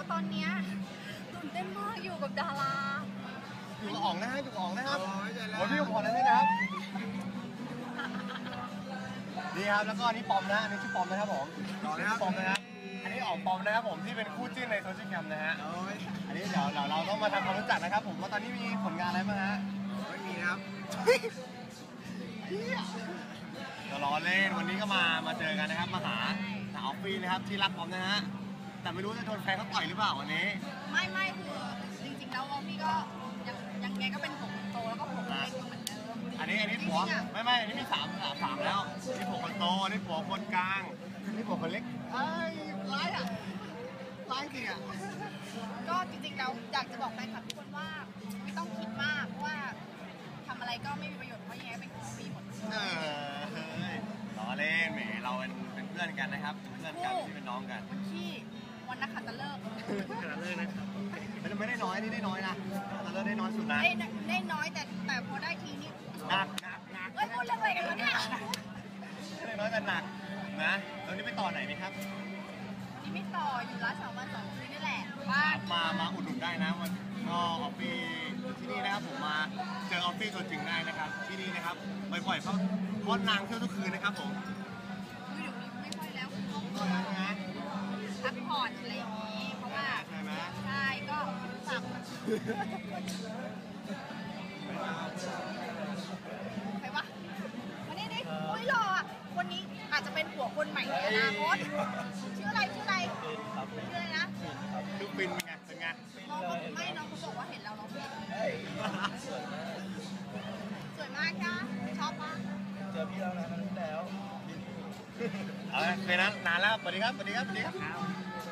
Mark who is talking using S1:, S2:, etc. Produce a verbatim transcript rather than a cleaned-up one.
S1: ว่าตอนเนี้ยตื่นเต้นมากอยู่กับดารา
S2: อยู่กับอ๋องนะฮะอยู่กับอ๋องนะครับ
S3: โอ้ยใจแล้ว
S2: โอ้ยพี่ขอนั้นด้วยนะครับนี่ครับแล้วก็อันนี้ปอมนะอันนี้ชื่อปอมนะครับผม
S3: ต่อเลยครับ
S2: ปอมนะครับอันนี้อ๋องปอมนะครับผมที่เป็นคู่จิ้นในโซเชียลแคมนะฮะ
S3: โอ้ย
S2: อันนี้เดี๋ยวเราเราต้องมาทำความรู้จักนะครับผมว่าตอนนี้มีผลงานอะไรบ้างฮะ
S3: ไม่มีนะครับ
S2: เดี๋ยวรอเล่นวันนี้ก็มามาเจอกันนะครับมาหาสาวฟรีนะครับที่รักผมนะฮะแต่ไม่รู้จะโดนแฟนเขาต่อยหรือเปล่าวันนี้
S1: ไม่ไม่คือจริงๆแล้วออฟฟี่ก็ยังยังไงก็เป็นผมโตแล้วก็ผมเล็กอยู่เหมือนเดิม
S2: อันนี้อันนี้ผัว
S1: จริงๆอะ
S2: ไม่ไม่อันนี้มีสามสามสามแล้วนี่ผัวคนโตอันนี่ผัวคนกลางนี่ผัวคนเล็กไอ้ยร้ายอ่ะร้ายจริงอ่ะ
S1: ก็จริงๆแล้วอยากจะบอกแฟนคลับทุกคนว่าไม่ต้องคิดมากเพราะว่าทำอะไรก็ไม่มีประโยชน์เพราะยังไงเป็นของฟรีหมด
S2: เออเฮ้ยล้อเล่นแหมเราเป็นเป็นเพื่อนกันนะครับเป็นเพื่อนกันไม่ใช่เป็นน้องกัน
S1: วันที่วันนักขัตฤกษ์
S2: ขนาดเลยนะครับมันไม่ได้น้อยนี่ได้น้อยนะแต่เลิกได้น้อยสุดนะ
S1: ได้ได้น้อยแต่แต่พอได้ทีนี้
S2: หนักหนักหนัก
S1: เอ้ยพูดเรื่องอะไรกันวะเนี่ย
S2: ได้น้อยแต่หนักนะแล้วนี่ไปต่อไหนไหมครับ
S1: นี่ไม่ต่ออยู่ร้านสองวันสองคืนนี่แหละบ้าน
S2: มามาอุดหนุนได้นะวันก็ออฟฟี่ที่นี่นะครับผมมาเจอออฟฟี่ตัวจริงได้นะครับที่นี่นะครับบ่อยๆเพราะเพราะนางเที่ยวทุกคืนนะครับผม
S1: คือเดี๋ยวนี้ไม่ค่อยแล้วคือต้อง
S2: ก็นะฮะ
S1: พักผ่อนอะไรอย่างนี้ เพราะว่า
S2: ใช่ไหม
S1: ใช่ก็สั่งใครวะวันนี้ดิอุ้ยหล่ออ่ะคนนี้อาจจะเป็นผัวคนใหม่ในอนาคตชื่ออะไรชื่ออะไรชื่ออะไรนะ
S2: ดูฟินเป็นไงเป็นไง
S1: น้องเขาไม่น้องเขาบอกว่าเห็นเราน้องเห็นสวยมากค่ะชอบมาก
S3: เจอพี่แล้วนะครั้งที่แล้ว
S2: เอาเลยเป็นนั้นนานแล้วสวัสดีครับสวัสดีครับสวัสดีครับ